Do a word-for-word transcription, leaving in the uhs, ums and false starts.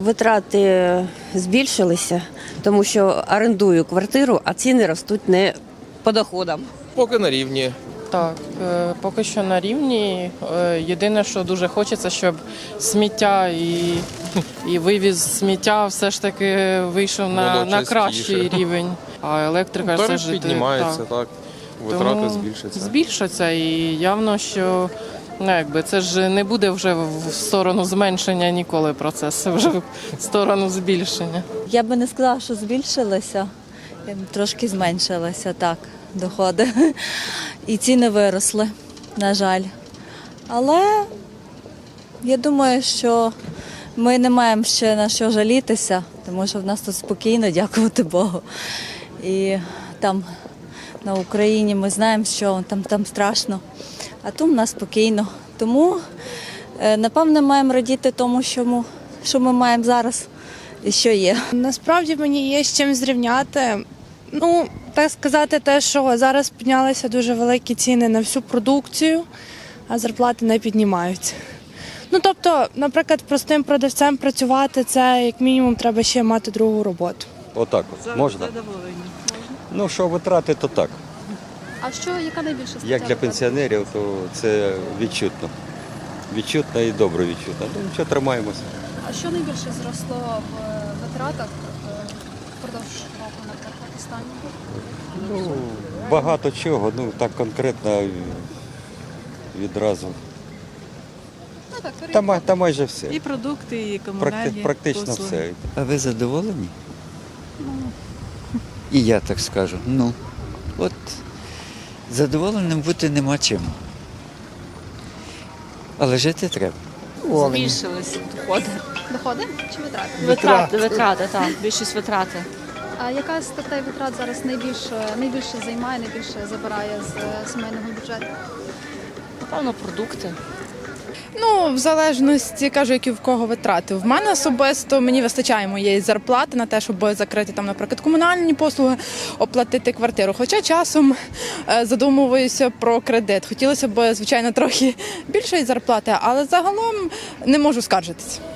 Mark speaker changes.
Speaker 1: Витрати збільшилися, тому що орендую квартиру, а ціни ростуть не по доходам.
Speaker 2: Поки на рівні.
Speaker 3: Так, е, поки що на рівні. Е, Єдине, що дуже хочеться, щоб сміття і, і вивіз сміття все ж таки вийшов на,
Speaker 2: Було
Speaker 3: на
Speaker 2: частіше.
Speaker 3: кращий рівень. А електрика
Speaker 2: Тариф
Speaker 3: все ж
Speaker 2: піднімається,
Speaker 3: так.
Speaker 2: так. Витрати
Speaker 3: Тому
Speaker 2: збільшаться.
Speaker 3: Збільшаться і явно, що ну, якби, це ж не буде вже в сторону зменшення ніколи процес, це вже в сторону збільшення.
Speaker 4: Я би не сказала, що збільшилося, трошки зменшилися, так, доходи. І ціни виросли, на жаль. Але я думаю, що ми не маємо ще на що жалітися, тому що в нас тут спокійно, дякувати Богу. І там на Україні ми знаємо, що там, там страшно, а тут в нас спокійно. Тому, напевно, маємо радіти тому, що ми, що ми маємо зараз і що є.
Speaker 5: Насправді мені є з чим зрівняти. Ну, так сказати, те, що зараз піднялися дуже великі ціни на всю продукцію, а зарплати не піднімаються. Ну, тобто, наприклад, простим продавцем працювати, це як мінімум треба ще мати другу роботу.
Speaker 6: Отак от. Можна? Ну, що витрати, то так.
Speaker 7: А що, яка найбільша стаття?
Speaker 6: Як для
Speaker 7: витрат?
Speaker 6: пенсіонерів, то це відчутно. Відчутно і добре відчутно. Ну, нічого, тримаємося.
Speaker 7: А що найбільше зросло в витратах е, впродовж року, наприклад, останнього?
Speaker 6: Ну, багато чого, ну так конкретно відразу.
Speaker 7: Ну, так,
Speaker 6: Та, ма- та майже все.
Speaker 8: І продукти, і
Speaker 6: Практи-
Speaker 8: комунальні
Speaker 6: практично
Speaker 8: послуги.
Speaker 6: все.
Speaker 9: А ви задоволені? І я так скажу. Ну, от задоволеним бути нема чим. Але жити треба.
Speaker 10: Збільшились доходи.
Speaker 7: Доходи чи витрати?
Speaker 10: Витрати, витрати, так, більшість витрати.
Speaker 7: А яка з статей витрат зараз найбільше, найбільше займає, найбільше забирає з е, сімейного бюджету?
Speaker 10: Напевно, продукти.
Speaker 5: Ну, в залежності, кажу, які в кого витрати. В мене особисто мені вистачає моєї зарплати на те, щоб закрити там, наприклад, комунальні послуги, оплатити квартиру. Хоча часом е, задумуюся про кредит. Хотілося б, звичайно, трохи більшої зарплати, але загалом не можу скаржитись.